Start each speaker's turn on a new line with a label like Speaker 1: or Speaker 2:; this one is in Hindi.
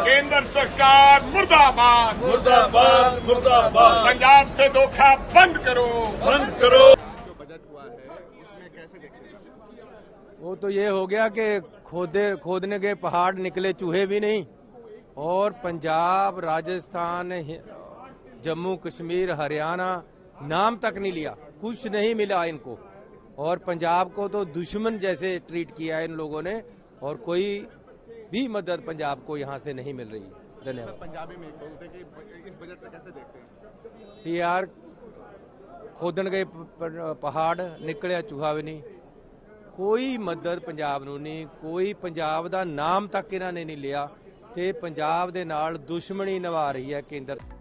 Speaker 1: केंद्र सरकार मुर्दाबाद
Speaker 2: मुर्दाबाद मुर्दाबाद।
Speaker 1: पंजाब से धोखा बंद करो।
Speaker 3: जो बजट हुआ है उसमें कैसे देखते हैं?
Speaker 4: वो तो ये हो गया कि खोदने के पहाड़ निकले चूहे भी नहीं, और पंजाब, राजस्थान, जम्मू कश्मीर, हरियाणा नाम तक नहीं लिया, कुछ नहीं मिला इनको। और पंजाब को तो दुश्मन जैसे ट्रीट किया है इन लोगों ने, और कोई भी मदद पंजाब को यहाँ से नहीं मिल रही है। धन्यवाद।
Speaker 3: पंजाबी में बोलते कि इस बजट से कैसे देखते हैं?
Speaker 4: यार खोदन गए पहाड़ निकलिया चूहा भी नहीं, कोई मदद पंजाब ਨੂੰ नहीं, कोई पंजाब ਦਾ ਨਾਮ ਤੱਕ ਇਹਨਾਂ ਨੇ ਨਹੀਂ ਲਿਆ ਤੇ ਪੰਜਾਬ ਦੇ ਨਾਲ ਦੁਸ਼ਮਣੀ ਨਿਭਾ ਰਹੀ ਹੈ ਕੇਂਦਰ।